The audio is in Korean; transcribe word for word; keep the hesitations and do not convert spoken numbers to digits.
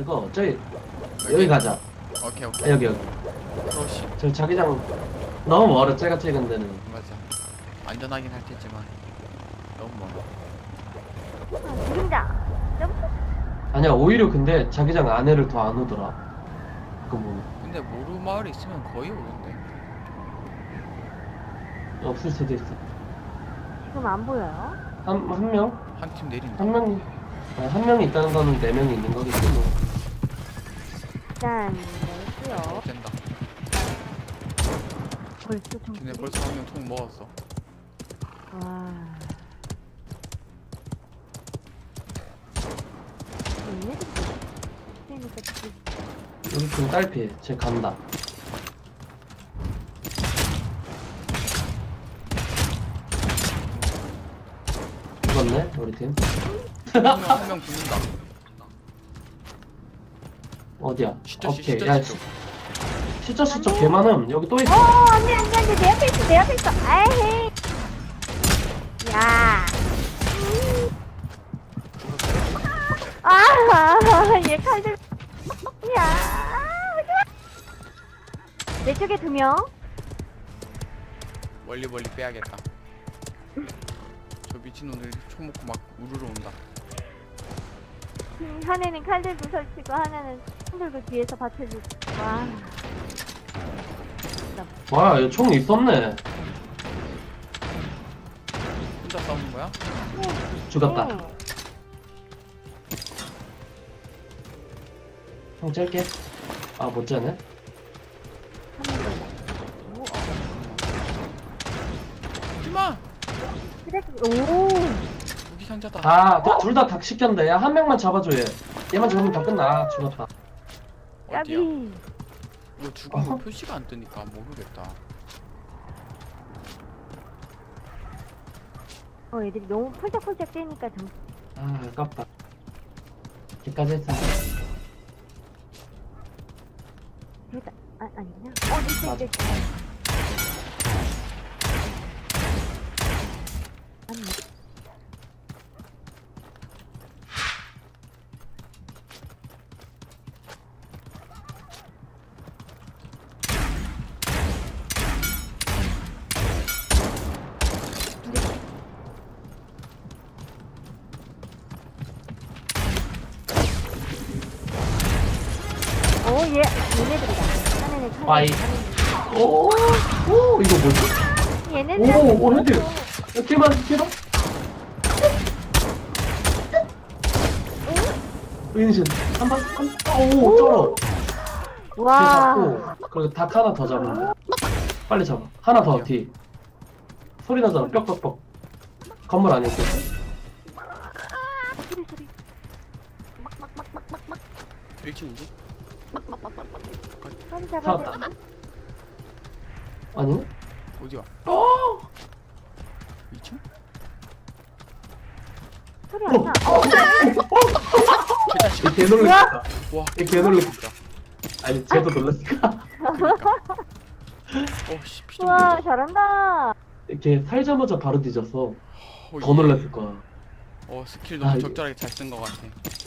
쓰고 저기 여기 가자. 오케이 아, 오케이. 여기 여기. 프로시. 저 자기장 너무 멀어. 제가 찍은 데는. 맞아. 안전하긴 할 테지만 너무 멀어. 아, 그림자. 점프. 아니야 오히려 근데 자기장 안에를 더 안 오더라. 그 뭐 근데 모루 마을에 있으면 거의 오는데. 없을 수도 있어. 지금 안 보여요? 한 한 명? 한 팀 내린다. 한 명이 아니, 한 명이 있다는 거는 네 명이 있는 거겠지 뭐. 일단 내고요. 어, 된다. 벌써 좀. 쟤네 벌써 한 명 총 먹었어. 와. 얘네들 그러니까 지금 우리 팀 딸피. 쟤 간다. 죽었네 우리 팀. 한명 죽는다. 어디야? 시저 시 오케이. 시저 야 시. 시저 시저 개 많음. 여기 또 있어. 어, 안돼 안돼 안돼 내 앞에 있어 내 앞에 있어. 아이. 야. 아, 얘 칼들. 야. 내 쪽에 두 명. 멀리 멀리 빼야겠다. 저 미친놈들 총 먹고 막 우르르 온다. 음, 하나는 칼 들고 설치고 하나는 총 들고 뒤에서 받쳐주고. 와. 와, 여기 총 있었네. 혼자 싸우는 거야? 죽었다. 응. 형 짤게. 아, 못 째네. 하지마! 그래. 오. 무기 상자다. 아, 둘 다 닭 시켰는데. 야, 한 명만 잡아줘, 얘. 얘만 잡으면 다 끝나. 아, 죽었다. 어디야? 야비. 이거 죽은 거 어허. 표시가 안 뜨니까 모르겠다. 어, 애들이 너무 펄짝펄짝 뛰니까 좀. 아, 아깝다. 여기까지 했어. 됐다. 아, 아니구나. 어, 됐어, 맞아. 됐어. 아니. 오, 얘, 얘네들이다. 하나는 칼. 빠이. 오, 오, 이거 뭐지? 얘네들. 오, 오, 헤드. 야, 킬만, 킬만. 은신. 한 방, 한 방. 오, 쩔어. 뒤 와. 잡고, 그리고 닭 하나 더 잡으면 돼. 빨리 잡아. 하나 더, 뒤. 소리 나잖아, 뻑뻑뻑. 건물 안에 있겠지? 소리, 소리. 일찍 우주? 빨리 잡아야 잡았다. 돼. 아니네? 어디야? 어! 이 층? 소리 안 나. 얘 개놀랬다. 와, 얘 개놀랬다. 진짜. 아니, 쟤도 놀랬을까? 그니까. 어씨 피좀 우와, 잘한다. 이렇게 살자마자 바로 뒤져서 어, 더 놀랬을 거야. 어 스킬 아, 너무 이게- 적절하게 잘 쓴 것 같아.